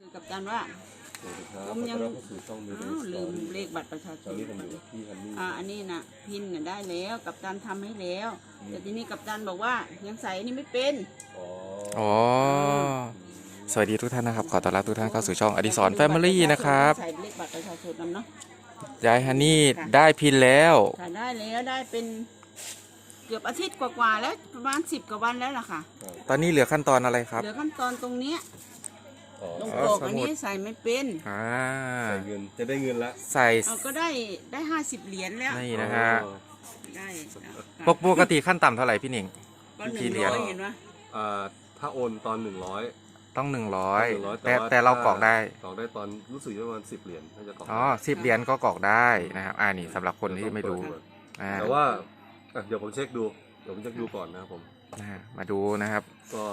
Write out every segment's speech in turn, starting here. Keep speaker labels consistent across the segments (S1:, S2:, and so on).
S1: คือกับการว่าผมยังลืมเลขบัตรประชาชนอันนี้นะพินได้แล้วกับการทำให้แล้วแต่ทีนี้กับการบอกว่ายังใส่นี่ไม่เป็น
S2: อ๋อสวัสดีทุกท่านนะครับขอต้อนรับทุกท่านเข้าสู่ช่องอดิศรแฟมิลี่นะครับ
S1: ใส่เลขบัตรประชาชนนำเนาะ
S2: ยายฮันนี่ได้พินแล้ว
S1: ได้แล้วได้เป็นเกือบอาทิตย์กว่าแล้วประมาณ10 กว่าวันแล้วล่ะค่ะ
S2: ตอนนี้เหลือขั้นตอนอะไรครับ
S1: เหลือขั้นตอนตรงนี้ตรงปกอันนี้ใส่ไม่เป็น
S3: ใส่เงินจะได้เงินละ
S2: ใส่
S1: ก็ได้50 เหรียญแล้ว
S2: นี่นะฮะ
S1: ได้
S2: ปกติขั้นต่ำเท่าไหร่พี่หนิง
S1: ก็100เห็นไหม
S3: ถ้าโอนตอน100
S2: ต้อง100แต่เรากรอกได้
S3: ตอนรู้สึกประมาณ10 เหรียญถ้าจะกรอก
S2: 10 เหรียญก็กรอกได้นะครับนี่สำหรับคนที่ไม่รู้
S3: แต่ว่าเดี๋ยวผมเช็คดูก่อนนะครับผม
S2: มาดูนะครับ
S1: ก็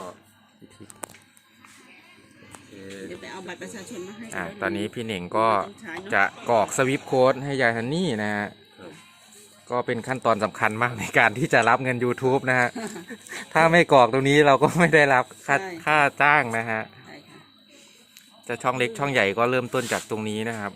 S1: เดี๋ยวไปเอาบัตรประชาชนมาให้
S2: ตอนนี้พี่หนิงก็จะกรอกสวิปโค้ดให้ยายฮันนี่นะฮะก็เป็นขั้นตอนสำคัญมากในการที่จะรับเงิน YouTube นะฮะถ้าไม่กรอกตรงนี้เราก็ไม่ได้รับค่าจ้างนะฮะจะช่องเล็กช่องใหญ่ก็เริ่มต้นจากตรงนี้นะครับ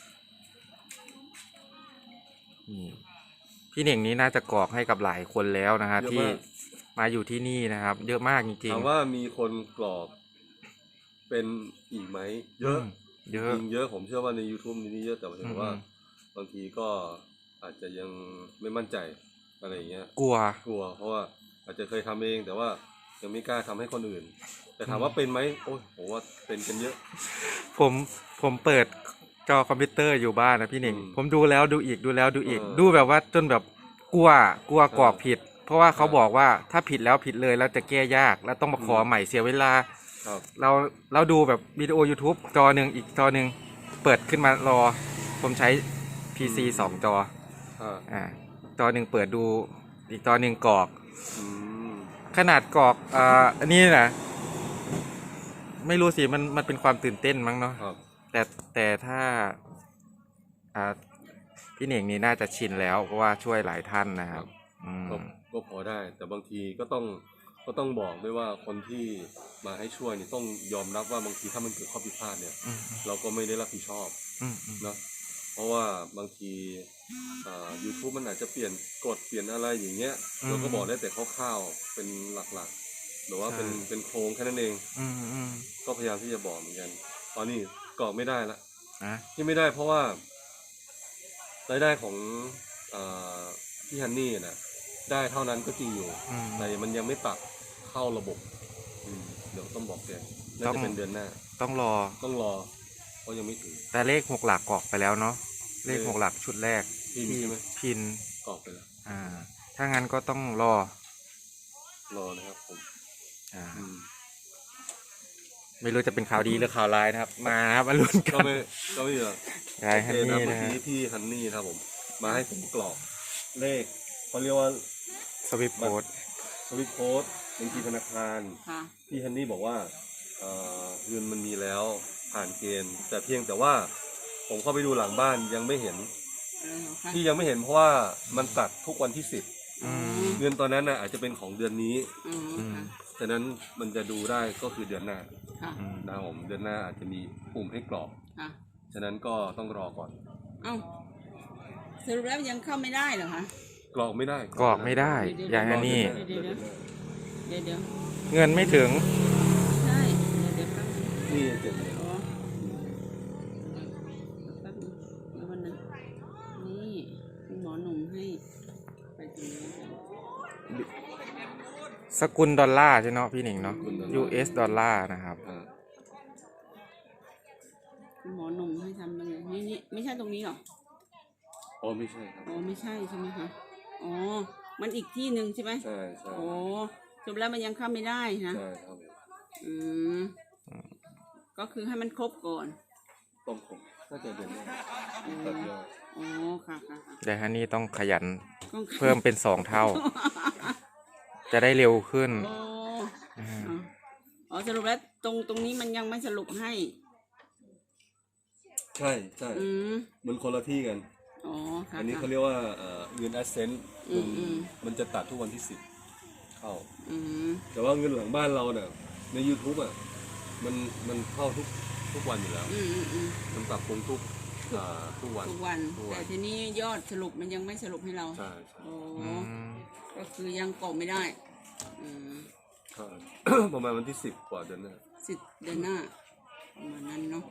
S2: พี่หนิงนี้น่าจะกรอกให้กับหลายคนแล้วนะฮะที่มาอยู่ที่นี่นะครับเยอะมากจริงๆ
S3: ถามว่ามีคนกรอกเป็นอีกไหมเยอะจริงเยอะผมเชื่อว่าใน YouTube นี้เยอะแต่ผมว่าบางทีก็อาจจะยังไม่มั่นใจอะไรอย่างเงี้ย
S2: กลัว
S3: เพราะว่าอาจจะเคยทำเองแต่ว่ายังไม่กล้าทำให้คนอื่นแต่ถามว่าเป็นไหมโอ้ยผมว่าเป็นกันเยอะ
S2: ผมเปิดจอคอมพิวเตอร์อยู่บ้านนะพี่หนิงผมดูแล้วดูอีกดูแบบว่าจนแบบกลัวกรอกผิดเพราะว่าเขาบอกว่าถ้าผิดแล้วผิดเลยแล้วจะแก้ยากแล้วต้องมาขอใหม่เสียเวลาเราดูแบบวิดีโอ YouTube จอหนึ่งอีกจอหนึ่งเปิดขึ้นมารอผมใช้ PC 2 จอจอหนึ่งเปิดดูอีกจอหนึ่งกรอกขนาดกรอกอันนี้นะไม่รู้สิมันเป็นความตื่นเต้นมั้งเนาะแต่ถ้าพี่เหน่งนี่น่าจะชินแล้วเพราะว่าช่วยหลายท่านนะครับ
S3: ก็พอได้แต่บางทีก็ต้องบอกด้วยว่าคนที่มาให้ช่วยเนี่ยต้องยอมรับว่าบางทีถ้ามันเกิดข้อผิดพลาดเนี่ยเราก็ไม่ได้รับผิดชอบเนาะเพราะว่าบางทีYouTube มันอาจจะเปลี่ยนกฎเปลี่ยนอะไรอย่างเงี้ยเราก็บอกได้แต่คร่าวๆเป็นหลักๆหรือว่าเป็นโครงแค่นั้นเองก็พยายามที่จะบอกเหมือนกันตอนนี้กรอกไม่ได้ละที่ไม่ได้เพราะว่ารายได้ของพี่ฮันนี่นะได้เท่านั้นก็จริงอยู่แต่มันยังไม่ตัดเข้าระบบเดี๋ยวต้องบอกแกน่าจะเป็นเดือนหน้า
S2: ต้องรอ
S3: เพราะยังไม่ถึง
S2: แต่เลข6 หลักกรอกไปแล้วเนาะเลข6 หลักชุดแรก
S3: พินใช่ไหม
S2: พิน
S3: กรอกไปแล้ว
S2: ถ้างั้นก็ต้องรอ
S3: นะครับผม
S2: ไม่รู้จะเป็นข่าวดีหรือข่าวร้ายนะครับมาครับมาลุ้นกัน
S3: ก็ไม่เหรอ
S2: ใช่ฮันนี่
S3: นะพี่ฮันนี่ครับผมมาให้ผมกรอกเลขเขาเรียกว่า
S2: สวิปโค้ด
S3: บัญชีธนาคารพี่ฮันนี่บอกว่าเงินมันมีแล้วผ่านเกณฑ์แต่เพียงแต่ว่าผมเข้าไปดูหลังบ้านยังไม่เห็นที่ยังไม่เห็นเพราะว่ามันตัดทุกวันที่10เงินตอนนั้นน่ะอาจจะเป็นของเดือนนี้ฉะนั้นมันจะดูได้ก็คือเดือนหน้านะครับผมเดือนหน้าอาจจะมีปุ่มให้กรอกฉะนั้นก็ต้องรอก่อน
S1: สรุปแล้วยังเข้าไม่ได้เหรอคะ
S3: กรอกไม่ได้
S2: อย่างนี้
S1: เดี๋ยว
S2: เงินไม่ถึง
S1: ใช่
S3: นี่เจ็บ
S1: วันนั้นนี่คุณหมอหนุ่มให้ไปตรงนี้
S2: สกุลดอลลาร์ใช่เนาะพี่หนิงเนาะ US ดอลลาร์นะครับ
S1: คุณหมอหนุ่มให้ทำยังไงนี่ไม่ใช่ตรงนี้หรอ
S3: ไม่ใช่ครับ
S1: ไม่ใช่ใช่ไหมคะมันอีกที่หนึ่งใช่ไหม
S3: ใช่
S1: จบแล้วมันยังเข้าไม่ได้นะ
S3: ใช่ครับ
S1: ก็คือให้มันครบก่อน
S3: ต้องครบน่าจะเดือนนี้ตัดยอด
S1: ค่ะ
S2: แต่ฮันนี่ต้องขยันเพิ่มเป็น2 เท่าจะได้เร็วขึ้น
S1: สรุปแล้วตรงนี้มันยังไม่สรุปให้
S3: ใช่มันคนละที่กันอันนี้เขาเรียกว่าเงิน Ascent มันจะตัดทุกวันที่10เข้าแต่ว่าเงินหลังบ้านเราเนี่ยใน YouTube มันเข้าทุกทุกวันอยู่แล้ว มันปรับปรุงทุกวัน
S1: ทุกวันแต่ทีนี้ยอดสรุปมันยังไม่สรุปให้เรา
S3: ใช่
S1: โอ้ก็คือยังกรอกไม่ได้
S3: ใช่ ประมาณวันที่10 กว่าเดือนหน้า
S1: เดือนหน้าประมาณนั้นเนาะ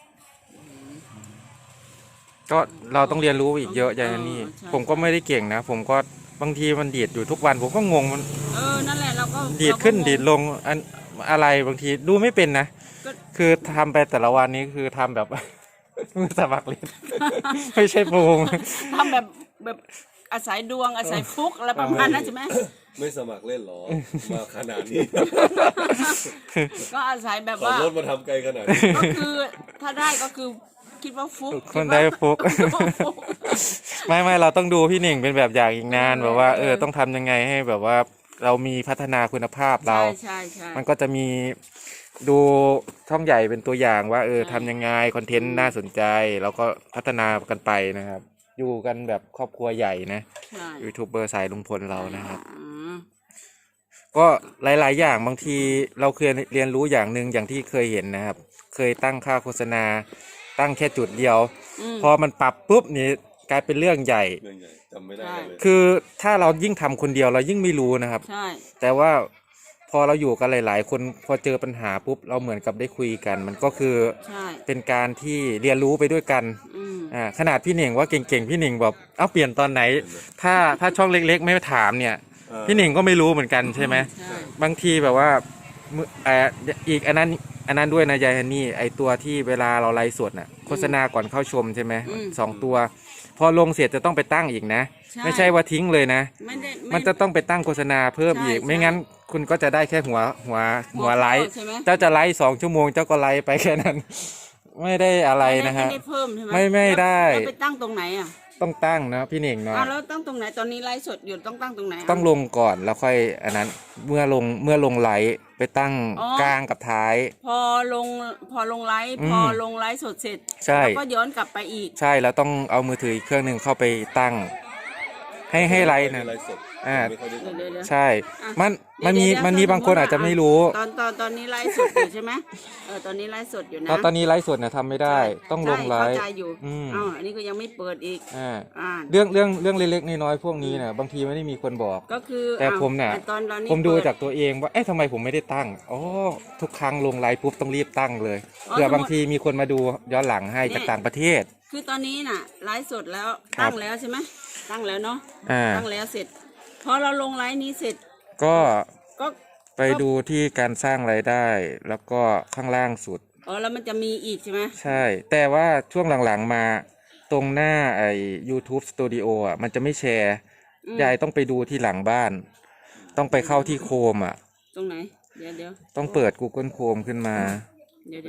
S2: ก็เราต้องเรียนรู้อีกเยอะอย่างนี้ผมก็ไม่ได้เก่งนะผมก็บางทีมันดีดอยู่ทุกวันผมก็งงมัน
S1: นั่นแหละเราก็
S2: ดีดขึ้นดีดลงอะไรบางทีดูไม่เป็นนะคือทำไปแต่ละวันนี้คือทำแบบ มือสมัครเล่น ไม่ใช่โปรง
S1: ทำแบบอาศัยดวงอาศัยฟุกอะไรประมาณนั้นใช่ไหม
S3: ไม่สมัครเล่นหรอมาขนาดนี้
S1: ก็อาศัยแบบว่า
S3: ขับรถมาทำไกลขนาดนี้
S1: ก็คือถ้าได้ก็คือคิดว่าฟุก
S2: คนได้ฟุก ไม่เราต้องดูพี่หนิงเป็นแบบอย่างอีกนานแบบว่าต้องทำยังไงให้แบบว่าเรามีพัฒนาคุณภาพเรา
S1: ใช่
S2: มันก็จะมีดูช่องใหญ่เป็นตัวอย่างว่าทำยังไงคอนเทนต์น่าสนใจแล้วก็พัฒนากันไปนะครับอยู่กันแบบครอบครัวใหญ่นะยูทูบเบอร์สายลุงพลเรานะครับก็หลายๆอย่างบางทีเราเคยเรียนรู้อย่างหนึ่งอย่างที่เคยเห็นนะครับเคยตั้งค่าโฆษณาตั้งแค่จุดเดียวพอมันปรับปุ๊บนี่กลายเป็นเรื่องใหญ่
S3: จำไม่ได้เลย
S2: คือถ้าเรายิ่งทำคนเดียวเรายิ่งไม่รู้นะครับแต่ว่าพอเราอยู่กันหลายๆคนพอเจอปัญหาปุ๊บเราเหมือนกับได้คุยกันมันก็คือเป็นการที่เรียนรู้ไปด้วยกันขนาดพี่หนิงว่าเก่งๆพี่หนิงบอกเปลี่ยนตอนไหนถ้าช่องเล็กๆไม่ถามเนี่ยพี่หนิงก็ไม่รู้เหมือนกันใช่ไหมบางทีแบบว่าอีกอันนั้นด้วยนะยายฮันนี่ไอตัวที่เวลาเราไลฟ์สดน่ะโฆษณาก่อนเข้าชมใช่ไหม2 ตัวพอลงเสร็จจะต้องไปตั้งอีกนะไม่ใช่ว่าทิ้งเลยนะมันจะต้องไปตั้งโฆษณาเพิ่มอีกไม่งั้นคุณก็จะได้แค่หัวไลฟ์เจ้าจะไลฟ์2 ชั่วโมงเจ้าก็ไลฟ์ไปแค่นั้นไม่ได้อะไรนะฮะ
S1: ไม่ได้เพิ่มใช่ไหม
S2: ไม่ได้
S1: ไปตั้งตรงไหนอ่ะ
S2: ต้องตั้งนะพี่หนิงเนาะ
S1: แล้วตั้งตรงไหนตอนนี้ไลฟ์สดอยู่ต้องตั้งตรงไหน
S2: ต้องลงก่อนแล้วค่อยอันนั้นเมื่อลงไลฟ์ไปตั้งกลางกับท้าย
S1: พอลงไลฟ์สดเสร็จ
S2: แล้ว
S1: ก็ย้อนกลับไปอีก
S2: ใช่แล้วต้องเอามือถืออีกเครื่องหนึ่งเข้าไปตั้งให้ไลฟ์นะใช่มันมีบางคนอาจจะไม่รู้
S1: ตอนนี้ไลฟ์สดอยู่ใช่ไหมตอนนี้ไลฟ์สดอยู่นะ
S2: ตอนนี้ไลฟ์สดเนี่ยทำไม่ได้ต้องลงไลฟ์
S1: เข้าใจอยู่อันนี้ก็ยังไม่เปิดอีก
S2: เรื่องเล็กๆน้อยๆพวกนี้เนี่ยบางทีไม่ได้มีคนบอก
S1: ก็คือ
S2: แต่ผมเนี่ยผมดูจากตัวเองว่าทำไมผมไม่ได้ตั้งทุกครั้งลงไลฟ์ปุ๊บต้องรีบตั้งเลยเผื่อบางทีมีคนมาดูย้อนหลังให้จากต่างประเทศ
S1: คือตอนนี้น่ะไลฟ์สดแล้วตั้งแล้วใช่ไหมตั้งแล้วเนาะตั้งแล้วเสร็จพอเราลงไลฟ์นี้เสร็จ
S2: ก็ไปดูที่การสร้างรายได้แล้วก็ข้างล่างสุด
S1: แล้วมันจะมีอีกใช่ไหม
S2: ใช่แต่ว่าช่วงหลังๆมาตรงหน้าYouTube Studio มันจะไม่แชร์ยายต้องไปดูที่หลังบ้านต้องไปเข้าที่โคม
S1: ตรงไหนเดี๋ยว
S2: ต้องเปิด Google Chrome ขึ้นมา
S1: เดี๋ยว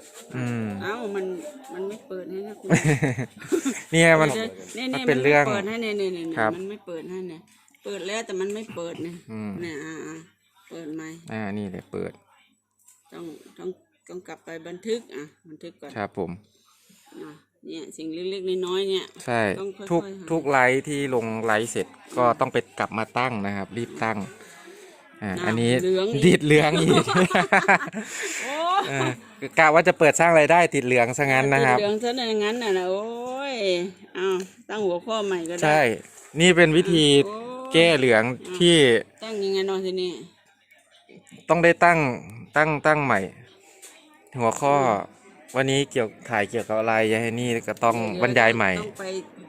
S1: มันไม่เปิดให้นะคุณ
S2: เนี่ยมันเป็นเรื่อง
S1: เปิดให้เนี่ยมันไม่เปิดให้เนี่ยเปิดแล้วแต่มันไม่เปิดเนี่ยเปิดไหม
S2: นี่เลยเปิด
S1: ต้องกลับไปบันทึกบันทึกก่อน
S2: ครับผม
S1: เนี่ยสิ่งเล็กๆน้อยๆเนี่ย
S2: ใช่ทุกไลฟ์ที่ลงไลฟ์เสร็จก็ต้องไปกลับมาตั้งนะครับรีบตั้งอันนี้ติดเหลืองอีกกะว่าจะเปิดสร้างรายได้ติดเหลืองซะงั้นนะครับ
S1: ติดเหลืองซะอย่างนั้นน่ะโอ้ยตั้งหัวข้อใหม่ก็ได้
S2: ใช่นี่เป็นวิธีแก้เหลืองที่
S1: ตั้งยังไงนอนทีนี้
S2: ต้องได้ตั้งใหม่หัวข้อวันนี้ถ่ายเกี่ยวกับอะไรยายนี่ก็ต้องบรรยายใหม่
S1: ต้องไป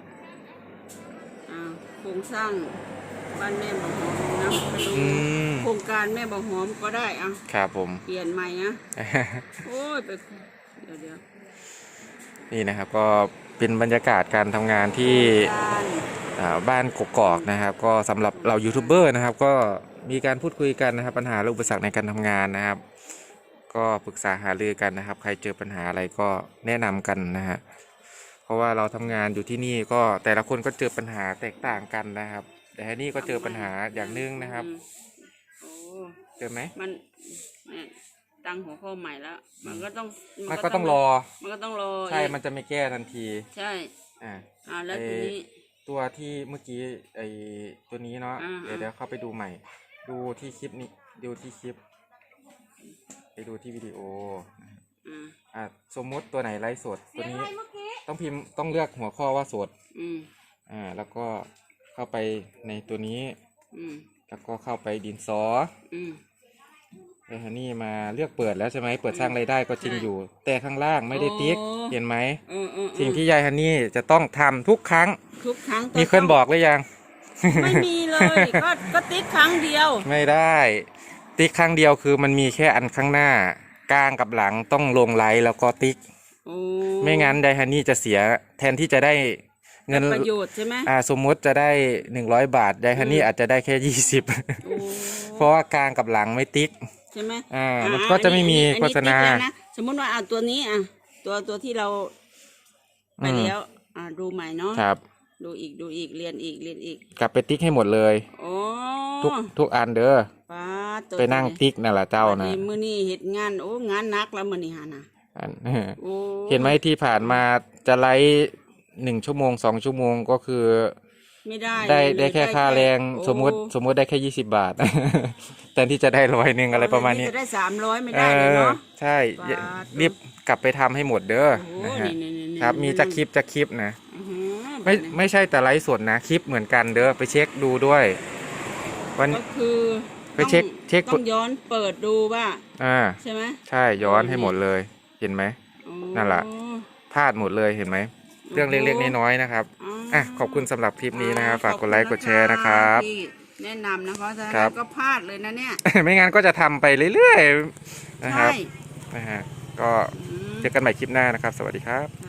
S1: โครงสร้างบ้านแม่บ่หอมนะไปดูโครงการแม่บ่หอมก็ได้
S2: ครับผม
S1: เปลี่ยนใหม่นะโอ้ยไปเดี๋ยว
S2: นี่นะครับก็เป็นบรรยากาศการทำงานที่บ้านกกอกนะครับก็สำหรับเรายูทูบเบอร์นะครับก็มีการพูดคุยกันนะครับปัญหาและอุปสรรคในการทำงานนะครับก็ปรึกษาหารือกันนะครับใครเจอปัญหาอะไรก็แนะนำกันนะฮะเพราะว่าเราทำงานอยู่ที่นี่ก็แต่ละคนก็เจอปัญหาแตกต่างกันนะครับแต่นี่ก็เจอปัญหาอย่างนึงนะครับเจอไหม
S1: มันตั้งหัวข้อใหม่แล้วมันก็ต้องรอ
S2: มันก็ต้องรอใช่มันจะไม่แก้ทันที
S1: ใช่แล้วทีนี้
S2: ตัวที่เมื่อกี้ตัวนี้เนาะเดี๋ยวเข้าไปดูใหม่ดูที่คลิปนี้ดูที่คลิปไปดูที่วิดีโอ
S1: อ่า
S2: สมมุติตัวไหนไลฟ์สดตัวนี้
S1: เมื่อกี้
S2: ต้องพิมพ์ต้องเลือกหัวข้อว่าสด
S1: อืม
S2: แล้วก็เข้าไปในตัวนี้
S1: อืม
S2: แล้วก็เข้าไปดินสอ
S1: อืม
S2: ไอ้ฮันนี่มาเลือกเปิดแล้วใช่ไหมเปิดสร้างรายได้ก็จริงอยู่ แต่ข้างล่างไม่ได้ติ๊ก
S1: โอ้
S2: เห็นไหม
S1: อืม
S2: สิ่งที่ยายฮันนี่จะต้องทำทุกครั้ง
S1: ทุกครั้ง
S2: มีคนบอกหรือยัง
S1: ไม่มีเลยก็ติ๊กครั้งเดียว
S2: ไม่ได้ ติ๊กครั้งเดียวคือมันมีแค่อันข้างหน้ากลางกับหลังต้องลงไลค์แล้วก็ติ๊ก
S1: โอ้
S2: ไม่งั้นไดฮันนี่จะเสียแทนที่จะได้เงิน
S1: ประโยชน์ใช่ไหม
S2: สมมุติจะได้100 บาทไดฮันนี่อาจจะได้แค่
S1: โอ้
S2: 20 เพราะว่ากลางกับหลังไม่ติ๊ก
S1: ใช่ไหม
S2: มันก็จะไม่มี
S1: อันนี้
S2: โฆษณา
S1: ติ๊กแล้วนะสมมติว่าตัวนี้ตัวที่เราไปแล้วดูใหม่เนาะ
S2: ครับ
S1: ดูอีกเรียนอีก
S2: กลับไปติ๊กให้หมดเลย
S1: โอ้
S2: ทุกอันเด้อ
S1: ป้าตัว
S2: ไปนั่งติ๊กนั่นแหละเจ้านะ
S1: มื้อนี้เฮ็ดงานงานหนักแล้วมื้อนี้หานะ
S2: อัน
S1: โอ้
S2: เห็นไหมที่ผ่านมาจะไลฟ์1 ชั่วโมง 2 ชั่วโมงก็คือ
S1: ไม่ได้
S2: ได้แค่ค่าแรง
S1: โอ้
S2: สมมุติได้แค่20 บาท แต่ที่จะได้100อะไรประมาณนี้
S1: จะได้300ไม่ได้เลยเนาะ
S2: ใช่
S1: บาท
S2: รีบกลับไปทำให้หมดเด้อ
S1: โอ้
S2: นะฮะ
S1: นี่
S2: ครับมีจะคลิปนะ
S1: อื้อหือ
S2: ไม่ใช่แต่ไลฟ์สดนะคลิปเหมือนกันเด้อไปเช็คดูด้วยวัน
S1: ก็คือ
S2: ไปเช็ค
S1: ต้องย้อนเปิดดูว่า ใช่ไหม
S2: ใช่ย้อนให้หมดเลยเห็นไหม
S1: โอ้
S2: นั่นแหละ พลาดหมดเลยเห็นไหมเรื่องเล็กๆน้อยๆนะครับขอบคุณสำหรับคลิปนี้นะครับฝากกดไลค์กดแชร์นะครับ
S1: ที่แนะนำนะคะถ้า
S2: ครับ
S1: ก็พลาดเลยนะเนี่ย
S2: ไม่งั้นก็จะทำไปเรื่อยๆนะครับ
S1: ใช่
S2: นะฮะก็เจอกันใหม่คลิปหน้านะครับ สวัสดีครับ